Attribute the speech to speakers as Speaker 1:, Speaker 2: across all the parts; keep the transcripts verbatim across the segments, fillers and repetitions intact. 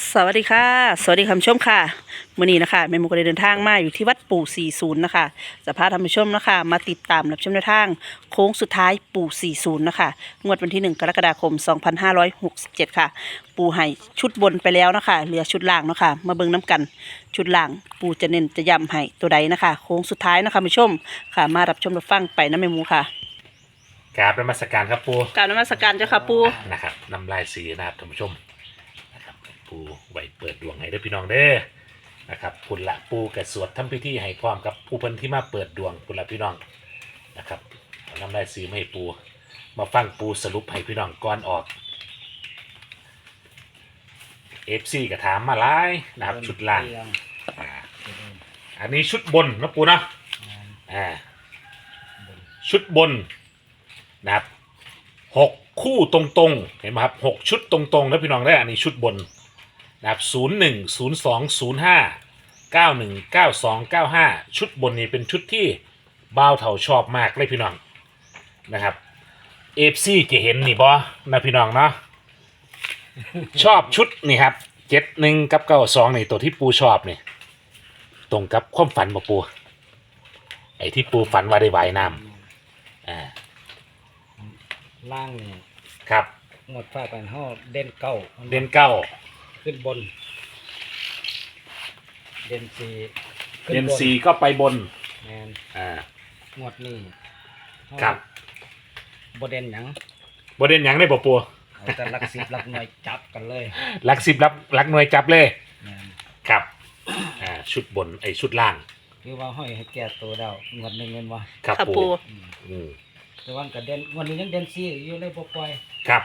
Speaker 1: สวัสดีค่ะสวัสดีคุณผู้ชมค่ะมื้อนี้นะคะแม่หมูก็ได้เดินทางมาอยู่ที่วัดปู่สี่สิบนะคะจะพาท่านผู้ชมนะคะมาติดตามรับชมแนวทางโค้งสุดท้ายปู่สี่สิบนะคะงวดวันที่หนึ่งกรกฎาคมสองพันห้าร้อยหกสิบเจ็ดค่ะปู่ให้ชุดบนไปแล้วนะคะเหลือชุดล่างเนาะคะมาเบิ่งน้กันชุดล่างปู่จะเน้นจะย้ำให้ตัวใดนะคะโค้งสุดท้ายนะคะคุณผู้ชมค่ะมารับชมรับฟังไปนะแม่หมูค่ะ
Speaker 2: กราบนมัสการครับปู
Speaker 1: กรารนมัสการเจ้าค่ะปู่
Speaker 2: นะครับนำลายสีนะครับท่านผู้ชมนะครับปูไว้เปิดดวงให้เด้อพี่น้องเด้อนะครับพุนละปูกระสวดทำพิธีให้พร้อมกับผู้เพิ่นที่มาเปิดดวงพุนละพี่น้องนะครับนำลายสีมาให้ปูมาฟังปูสรุปให้พี่น้องก่อนออกเอฟซีก็ถามมาหลายนะครับชุดล่างอ่าอันนี้ชุดบนนะปูนะอ่าชุดบนนะครับหกคู่ตรงๆเห็นไหมครับหกชุดตรงๆแล้วพี่น้องได้อันนี้ชุดบนนะครับศูนย์หนึ่งศูนย์สองศูนย์ห้าเก้าหนึ่งเก้าสองเก้าห้าชุดบนนี้เป็นชุดที่บ่าวเถาชอบมากเลยพี่น้องนะครับเอฟซีจะเห็นนี่บอนะพี่น้องเนาะชอบชุดนี่ครับเจ็ดหนึ่งกับเก้าสองนี่ตัวที่ปูชอบนี่ตรงกับความฝันบ่ปูไอ้ที่ปูฝันว่าได้ว่ายน้ำอ่า
Speaker 3: ล่างนี่
Speaker 2: ครับ
Speaker 3: หมดฟ้ากันห่อเด่นเก้า
Speaker 2: เด่นเก้า
Speaker 3: ขึ้นบนเด่นสี่
Speaker 2: เด่นสี่ก็ไปบน
Speaker 3: แมน
Speaker 2: อ่า
Speaker 3: หมดนี่
Speaker 2: ครับ
Speaker 3: บเด่นหยัง
Speaker 2: บเด่นหยังได้ปะปัว
Speaker 3: แต่ลักสิบลักหน่วยจับกันเลย
Speaker 2: ลักสิบลักลักหน่วยจับเลย
Speaker 3: แมน
Speaker 2: ครับอ่าชุดบนไอชุดล่าง
Speaker 3: คือว่าห้อยให้แก่ตัวเดาหมดหนึ่งเงินวะ
Speaker 2: ครับปูอืม
Speaker 3: แต่วันกับเด่นวันนี้ยังเด่นสี่อยู่เลยปล่อย
Speaker 2: ครับ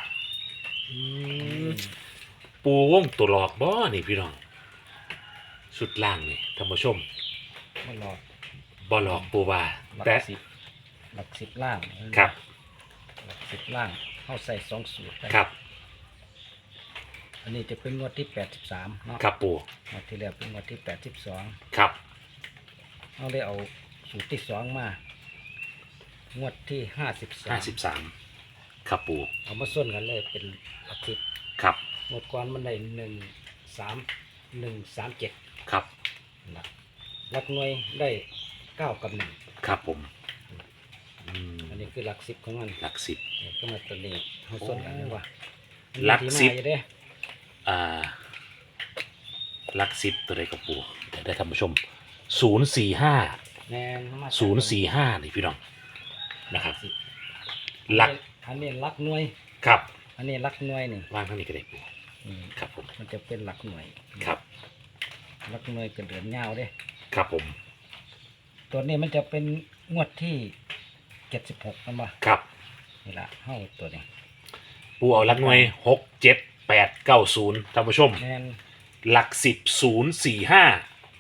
Speaker 2: ปูวงตัวหลอกบ่นี่พี่น้องชุดล่างนี่ท่านผู้ชม
Speaker 3: บ่หลอก
Speaker 2: บ่หลอกปูว่า
Speaker 3: แต่สิบหลักสิบล่าง
Speaker 2: ครับ
Speaker 3: หลักสิบล่างเข้าใส่สองสูตร
Speaker 2: ครับ
Speaker 3: อันนี้จะเป็นงวดที่แปดสิบสามเนาะ
Speaker 2: ครับปู
Speaker 3: งวดที่แล้วเป็นงวดที่แปดสิบสอง
Speaker 2: ครับ
Speaker 3: เอาได้เอาสูตรที่สองมางวดที่ห้าสิบสาม
Speaker 2: ห้าสิบสามครับปู
Speaker 3: เอามาส้นกันเลยเป็นหลักสิบ
Speaker 2: ครับ
Speaker 3: งวดก่อนมันได้หนึ่งสามหนึ่งสามเจ็ด
Speaker 2: ครับ
Speaker 3: หลักหน่วยได้เก้ากับหนึ่ง
Speaker 2: ครับผม
Speaker 3: อันนี้คือหลักสิบของมัน
Speaker 2: หลักสิบ
Speaker 3: ก็มาตัวนี้เขาส้นกันเลยว่า
Speaker 2: หลักสิบอ่าหลักสิบตัวใดกับปูได้ท่านผู้ชมศูนย์สี่ห้าศูนย์สี่ห้านี่พี่น้องนะครับหลัก
Speaker 3: อันนี้หลักหน่วย
Speaker 2: ครับ
Speaker 3: อันนี้หลักหน่วยนี่
Speaker 2: วางข้างนี้ก็ได้ปูครับผม
Speaker 3: มันจะเป็นหลักหน่วย
Speaker 2: ครับ
Speaker 3: หลักหน่วยกระเดือนเงาเด้
Speaker 2: ครับผม
Speaker 3: ตัวนี้มันจะเป็นงวดที่เจ็ดสิบหกนะบ่
Speaker 2: ครับ
Speaker 3: นี่ละห้าตัวนี้
Speaker 2: ปูเอาหลักหน่วยหกเจ็ดแปดเก้าศูนย์ท่านผู้ชมหลักสิบศูนย์สี่ห้า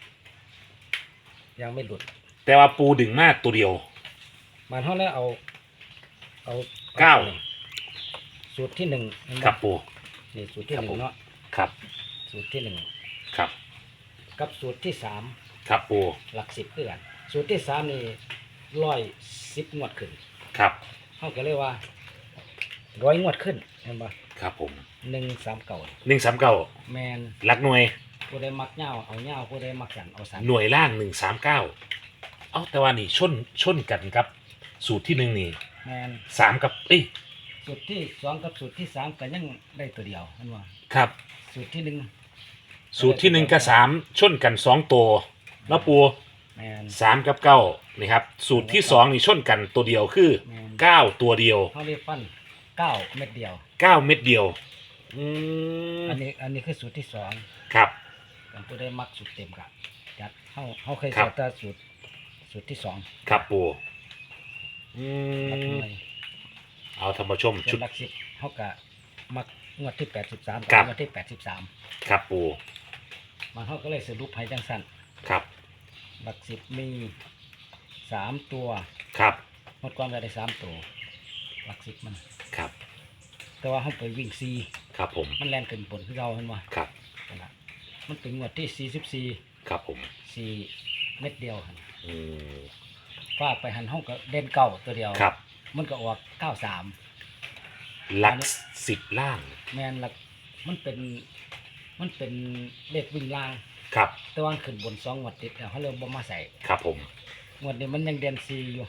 Speaker 3: ยังไม่หลุด
Speaker 2: แต่ว่าปูดึงมากตัวเดียว
Speaker 3: มันเท่าแล้วเอาเอา
Speaker 2: เก้า
Speaker 3: สูตรที่หนึ่ง
Speaker 2: ครับปู
Speaker 3: นี่สูตรที่หนึ่งเนาะ
Speaker 2: ครับ
Speaker 3: สูตรที่หนึ่ง
Speaker 2: ครับ
Speaker 3: กับสูตรที่สาม
Speaker 2: ครับปู
Speaker 3: หลักสิบเพื่อนสูตรที่สามนี่ร้อยสิบงวดขึ้น
Speaker 2: ครับ
Speaker 3: เขาก็เรียกว่าร้อยงวดขึ้นเห็นปะ
Speaker 2: ครับผม
Speaker 3: หนึ่งสามเก่า
Speaker 2: หนึ่งสามเก้า
Speaker 3: แมน
Speaker 2: หลักหน่วย
Speaker 3: ผู้ใดมักเงาเอาเงาผู้ใดมักกันเอาสาม
Speaker 2: หน่วยล่างหนึ่งสามเก้าเอ้าแต่ว่านี่ชนชนกันครับสูตรที่หนึ่งนี่
Speaker 3: แมน
Speaker 2: สามกับเอ้ย
Speaker 3: สูตรที่สองกับสูตรที่สามก็ยังได้ตัวเดียวเห็นว่า
Speaker 2: ครับ
Speaker 3: สูตรที่หนึ่ง
Speaker 2: สูตรที่หนึ่งกับสามชนกันสองตัวแล้วปูสามกับเก้านี่ครับสูตรที่สองนี่ชนกันตัวเดียวคือเก้าตัวเดียว
Speaker 3: เขาเรียกฟันเก้าเม็ดเดียว
Speaker 2: เก้าเม็ดเดียวอืม
Speaker 3: อันนี้อันนี้คือสูตรที่สอง
Speaker 2: ครับ
Speaker 3: กันตัวได้มักสูตรเต็มกับจัดเขาเขาเคยสอนแต่สูตรสูตรที่สอง
Speaker 2: ครับปูอืมเอาธรรมชม
Speaker 3: ชุดหลักสิบเขากะมักงวดที่แปดสิบสาม
Speaker 2: กับ
Speaker 3: งวดที่แปดสิบสาม
Speaker 2: ครับปู
Speaker 3: มันเขาก็เลยสรุปให้จังสั้น
Speaker 2: ครับ
Speaker 3: หลักสิบมีสามตัว
Speaker 2: ครับ
Speaker 3: หมดความได้สามตัวหลักสิบมัน
Speaker 2: ครับ
Speaker 3: แต่ว่าเขาไปวิ่งซี
Speaker 2: ครับผม
Speaker 3: มันแรงเกินผลที่เราเห็นไหม
Speaker 2: ครับ
Speaker 3: มันเป็นงวดที่สี่สิบสี่
Speaker 2: ครับผม
Speaker 3: สี่เม็ดเดียว
Speaker 2: อืม
Speaker 3: ฟาดไปหันห้องก็เด่นเก้าตัวเดียว
Speaker 2: ครับ
Speaker 3: มันก็ออกเก้าสาม
Speaker 2: หลักสิบล่าง
Speaker 3: แมนหลักมันเป็นมันเป็นเลขวิ่งล่าง
Speaker 2: ครับ
Speaker 3: แต่ว่าขึ้นบนสองงวดติดแล้วเขาเลยบ่มาใส่
Speaker 2: ครับผม
Speaker 3: งวดนี้มันยังเดือนสี่อยู่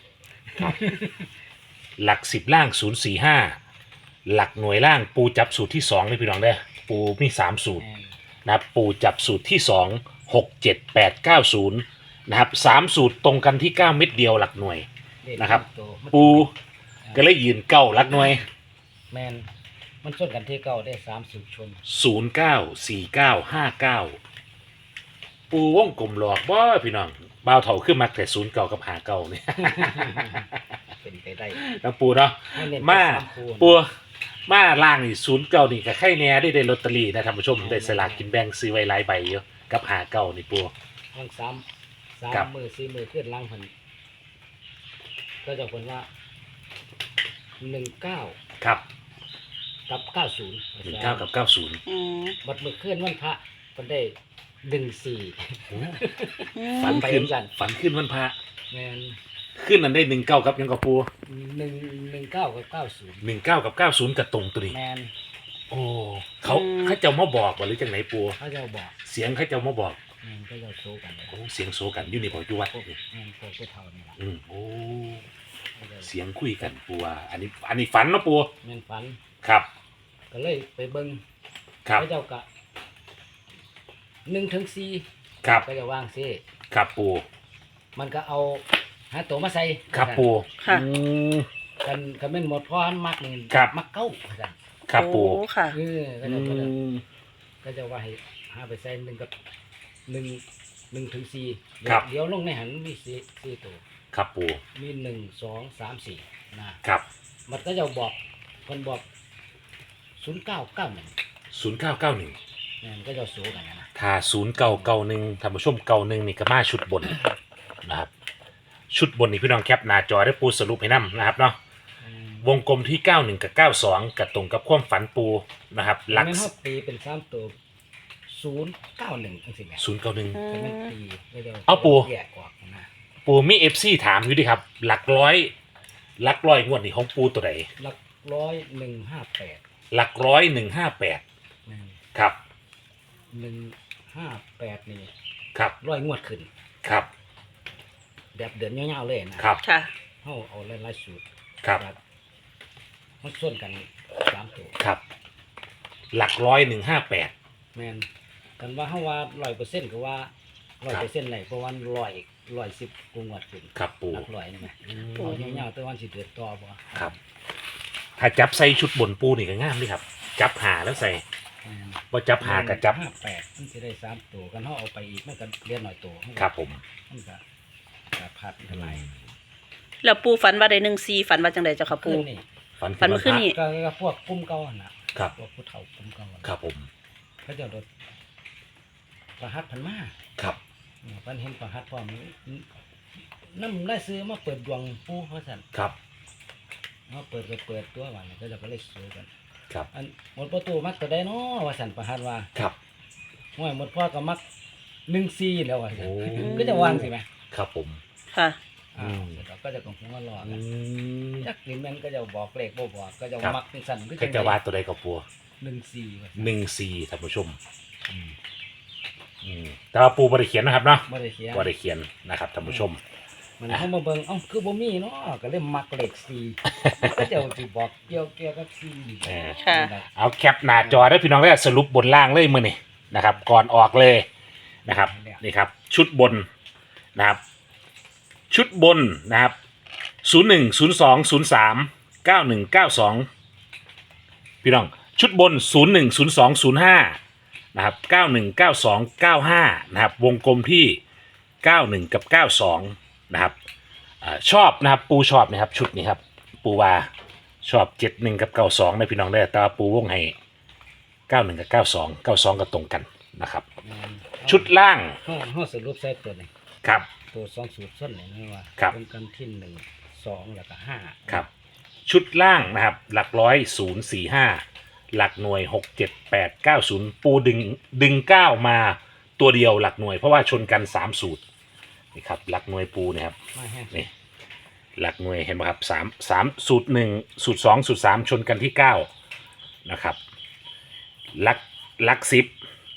Speaker 2: หลักสิบล่างศูนย์สี่ห้าหลักหน่วยล่างปูจับสูตรที่สองเลยพี่น้องเด้อปูมีสามสูตร
Speaker 3: แม่น
Speaker 2: นะครับปูจับสูตรที่สองหกเจ็ดแปดเก้าศูนย์นะครับสามสูตรตรงกันที่เก้าเม็ดเดียวหลักหน่วย
Speaker 3: เลข
Speaker 2: นะครับ
Speaker 3: ตัวมัน
Speaker 2: ปูก็เลยยืนเก้าหลักหน่วย
Speaker 3: แมนมันชนกันที่เก้าได้สามสูตรชน
Speaker 2: ศูนย์เก้าสี่เก้าห้าเก้าปูวงกลมหลอกบ่พี่น้องบ่าวเถาขึ้นมาแต่ศูนย์เก้ากับหาเก้าเนี่ย
Speaker 3: เป็นไปได้
Speaker 2: แล้วปูเนาะ
Speaker 3: ให้เน้น
Speaker 2: มา
Speaker 3: สคูณ
Speaker 2: ปูมาล่างนี่ศูนย์เก้านี่กับไข่แหน่ได้ได้ลอตเตอรี่นะท่านผู้ชมได้สลากกินแบ่งซื้อไว้หลายใบเยอะกับหาเก้านี่ปู
Speaker 3: ทั้งสามสา
Speaker 2: ครั
Speaker 3: ม
Speaker 2: บ
Speaker 3: มือสี่มือขึ้นล่างพันก็จะผลว่าหนึ่งเก้า
Speaker 2: ครับ
Speaker 3: กับเก้าศูนย์
Speaker 2: หนึ่งเก้ากับเก้าศูนย์
Speaker 1: อืม
Speaker 3: บัดมือขึ้นวันพระมันได้หนึ่งสี่
Speaker 2: ฝัน
Speaker 3: ไป
Speaker 2: ขึ้น
Speaker 3: กัน
Speaker 2: ฝันขึ้นวันพระ
Speaker 3: แมน
Speaker 2: ขึ้นนั้นได้หนึ่งเก้ากับยังกับปู
Speaker 3: หนึ่งหนึ่งเก้ากับเก้าศูนย์
Speaker 2: หนึ่งเก้ากับเก้าศูนย์กับตรงตัวนี้
Speaker 3: แมน
Speaker 2: โอ้เขาเขาเจ้ามาบอกว่าหรือจังไหนปู
Speaker 3: เขาจะบอก
Speaker 2: เสียงเขาเจ้ามาบอก
Speaker 3: แมนก็จะโชว์กันเลย
Speaker 2: โอ้เสียงโซกันอยู่ในบ่อยู่วัด
Speaker 3: พวก
Speaker 2: นี่
Speaker 3: แมนพวกผู้เฒ่านี่แหละ
Speaker 2: อืมโอ้
Speaker 3: เขาจะ
Speaker 2: เสียงคุยกันปูว่าอันนี้อันนี้ฝันเนาะปู
Speaker 3: แมนฝัน
Speaker 2: ครับ
Speaker 3: ก็เลยไปเบิ้ง
Speaker 2: ครับ
Speaker 3: เขาเจ้ากะหนึ่งถึงสี่
Speaker 2: ครับ
Speaker 3: ก็จะวางซิ
Speaker 2: ครับปู
Speaker 3: มันก็เอาหาตัวมาใส่
Speaker 2: ครับปู
Speaker 1: ค่ะ
Speaker 2: อืม
Speaker 3: กันกันเป็นหมดเพราะอันมักนี่
Speaker 2: ครับ
Speaker 3: มักเก้าว่าซั่น
Speaker 2: ครับปู
Speaker 1: โอ้ค่ะ
Speaker 3: เออก็
Speaker 2: อื
Speaker 3: จะก็จะ
Speaker 2: ม
Speaker 3: ก็จะว่าให้หาไปใส่หนึ่งกับหนึ่งหนึ่งถึงสี่
Speaker 2: ครับ
Speaker 3: เดี๋ยวลงในหันมีสี่สี่ตัว
Speaker 2: ครับปู
Speaker 3: มีหนึ่งสองสามสี่นะครับ มันก็จะบอกคนบอกศูนย์เก้าเก้าหนึ่ง
Speaker 2: ศูนย์เก้าเก้าหนึ่ง
Speaker 3: นี่นก็จะสูกันนะ
Speaker 2: ถ้าศูนย์เก้าเก้าหนึ่งท่านผู้ชมเก้าหนึ่งนี่ก็มาชุดบนนะครับ ชุดบนนี่พี่น้องแคปหน้าจอได้ปูสรุปให้นํนะครับเนาะ
Speaker 3: อืม
Speaker 2: วงกลมที่เก้าหนึ่งกับเก้าสองกับตรงกับความฝันปูนะครับหลัก
Speaker 3: แม่นเขาตีเป็นสามตัวศูนย์เก้าหนึ่งทั้งสิ้นแหละ
Speaker 2: ศูนย์เก้าหนึ่ง
Speaker 3: แต่มันตีไม่ได้
Speaker 2: เอาปู่
Speaker 3: แยกออกนะ
Speaker 2: ปูมีเอฟซีถามอยู่ดิครับ หลักร้อยหลักร้อยงวดนี่ของปูตัวไหน
Speaker 3: หลักร้อยหนึ่งห้าแปด
Speaker 2: หลักร้อยหนึ่งห้าแปดครับ
Speaker 3: หนึ่งห้าแปดนี่
Speaker 2: ครับ
Speaker 3: ร้อยงวดขึ้น
Speaker 2: ครับ
Speaker 3: แบบเดินเงาวๆเลยนะครับ
Speaker 1: ค่ะ
Speaker 3: เขาเอาหลายๆสูตร
Speaker 2: ครับ
Speaker 3: มันส่วนกันสามตัว
Speaker 2: ครับ หลักร้อยหนึ่งห้าแปด
Speaker 3: แมนกันว่าเขาว่าร้อยเปอร์เซ็นต์ก็ว่าร้อยเปอร์เซ็นต์ไหนเพราะว่าร้อยร้อยสิบกูงวดขึ้น
Speaker 2: ครับปู
Speaker 3: หลักร้อยนี่ไหม
Speaker 2: อืม
Speaker 3: เอาเงาวๆแต่วันสิเดือดต่อบ่
Speaker 2: ครับ ถ้าจับใส่ชุดบนปูนี่ก็ง่ามดิครับ จับหาแล้วใส่
Speaker 3: แม่น
Speaker 2: ว่าจับหากับจับ
Speaker 3: ห้าแปดมันจะได้สามตัวกันเขาเอาไปอีกมันก็เรียนหน่อยตัวมันก็
Speaker 2: ครับผม
Speaker 3: มันก็ก็พัดกันไหลาย
Speaker 1: แล้วปูฝันว่าได้หนึ่งซีฝันว่าจังไดเจ้าค่ะปู
Speaker 3: ขึ้นนี่
Speaker 2: ฝัน
Speaker 1: ฝันเมื่อคืนนี้
Speaker 3: ก็ก็พวกกุ้มเก่าหั่นน่ะ
Speaker 2: ครับ
Speaker 3: พวกผู้เฒ่ากุ้มเก่าหั่น
Speaker 2: ครับผม
Speaker 3: เขาจะโดดประหัดพันมา
Speaker 2: ครับ
Speaker 3: อืมเพันเห็นประหัดพร้อมน้ำได้ซื้อมาเปิดดวงปูเขาสั่น
Speaker 2: ครับ
Speaker 3: มาเปิดก็เปิดตัววันก็จะก็เลยซื้อกัน
Speaker 2: ครับ
Speaker 3: อันหมดประตูมักตัวได้เนาะว่าสั่นประหัดว่า
Speaker 2: ครับ
Speaker 3: ห่วยหมดพ่อก็มักหนึ่งซีแล้วว่าซั่น
Speaker 2: โอ้
Speaker 3: ก็จะวางสิไหม
Speaker 2: ครับผม
Speaker 1: ค่ะ
Speaker 3: อ่า
Speaker 2: อืม
Speaker 3: เดี๋ยวเราก็จะกงหัวรอ
Speaker 2: อื
Speaker 3: กัน
Speaker 2: ม
Speaker 3: จักนี่แม่นก็จะบอกเลขบ่บอกก็จะ
Speaker 2: ครับ
Speaker 3: มักเป็นสั่นก็
Speaker 2: ก็จะว่าตัวใดกับปู
Speaker 3: หนึ่งซีว่า
Speaker 2: หนึ่งสี่ท่านผู้ชม อืมอืมแต่ว่าปูบริเขียนนะครับเนาะ
Speaker 3: บ่ได้เขียน
Speaker 2: บริเขียนนะครับท่านผู้ชม
Speaker 3: มันเข้ามาเบิ่งเอ้าคือบ่มีเนาะก็เลยมักเลขซีก็จะสิบอกเกี่ยวเกี่ยวกับซี
Speaker 2: เออ
Speaker 1: ค่ะ
Speaker 2: เอาแคปหน้าจอได้พี่น้องได้สรุปบนล่างเลยมือนี่นะครับ ก่อนออกเลยนะครับนี่ครับ ชุดบนนะครับ ชุดบนนะครับศูนย์หนึ่งศูนย์สองศูนย์สามเก้าหนึ่งเก้าสองพี่น้องชุดบนศูนย์หนึ่งศูนย์สองศูนย์ห้านะครับเก้าหนึ่งเก้าสองเก้าห้านะครับ วงกลมที่เก้าหนึ่งกับเก้าสองนะครับอ่าชอบนะครับปูชอบนะครับ ชุดนี้ครับ ปูวาชอบเจ็ดหนึ่งกับเก้าสองนะพี่น้องได้อแต่ว่าปูวงให้เก้าหนึ่งกับเก้าสองเก้าสองก็ตรงกันนะครับ ชุดล่าง
Speaker 3: เฮาเฮาสรุปใส่ตัวนี้
Speaker 2: ครับ
Speaker 3: ตัวสองสูตรส้นนี่นะว่า
Speaker 2: ครับ
Speaker 3: เป็นกันที่หนึ่งสองแล้วก็ห้า
Speaker 2: ครับ ชุดล่างนะครับ หลักร้อยศูนย์สี่ห้าหลักหน่วยหกเจ็ดแปดเก้าศูนย์ปูดึงดึงเก้ามาตัวเดียวหลักหน่วยเพราะว่าชนกันสามสูตรนี่ครับหลักหน่วยปูเนะครับ
Speaker 3: มาแห้ง
Speaker 2: นี่หลักหน่วยเห็นไหมครับสามสามสูตรหนึ่งสูตรสองสูตรสามชนกันที่เก้านะครับหลักหลักสิบ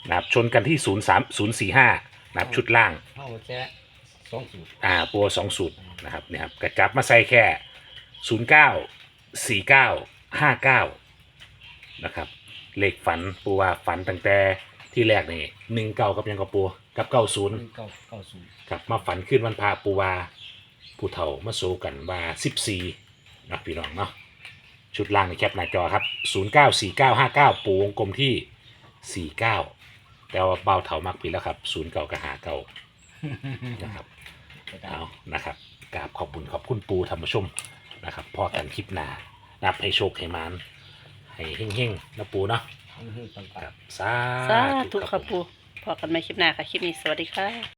Speaker 2: นะครับชนกันที่ศูนย์สามศูนย์สี่ห้านะครับชุดล่าง
Speaker 3: เข้าแค่สองสูตร
Speaker 2: อ่าปัวสองสูตรนะครับเนี่ยครับกระจับมาใส่แค่ศูนย์เก้าสี่เก้าห้าเก้านะครับเลขฝันปูว่าฝันตั้งแต่ที่แรกนี่หนึ่งเก้ากับยังกับปูกับเก้าศูนย์
Speaker 3: เก้าเก้าศูนย์
Speaker 2: กับมาฝันขึ้นวันพาปูว่าผู้เฒ่ามาโซกันว่าสิบสี่นะพี่น้องเนาะชุดล่างในแคปหน้าจอครับศูนย์เก้าสี่เก้าห้าเก้าปูวงกลมที่สี่เก้าแต่ว่าเบาเถามักผิดแล้วครับศูนย์เก่ากับหาเก่านะครับเอานะครับกราบขอบคุณขอบคุณปูธรรมชมนะครับพอกันคลิปหน้านับให้โชคให้มานให้เฮ่งๆนะปูเนาะ
Speaker 3: ปัง
Speaker 2: ครับสา
Speaker 1: สา
Speaker 2: ธุ
Speaker 1: ธุ
Speaker 2: ค
Speaker 1: ค่ะ
Speaker 2: รับผม
Speaker 1: ปูพอกันใหม่คลิปหน้าค่ะ คลิปนี้สวัสดีค่ะ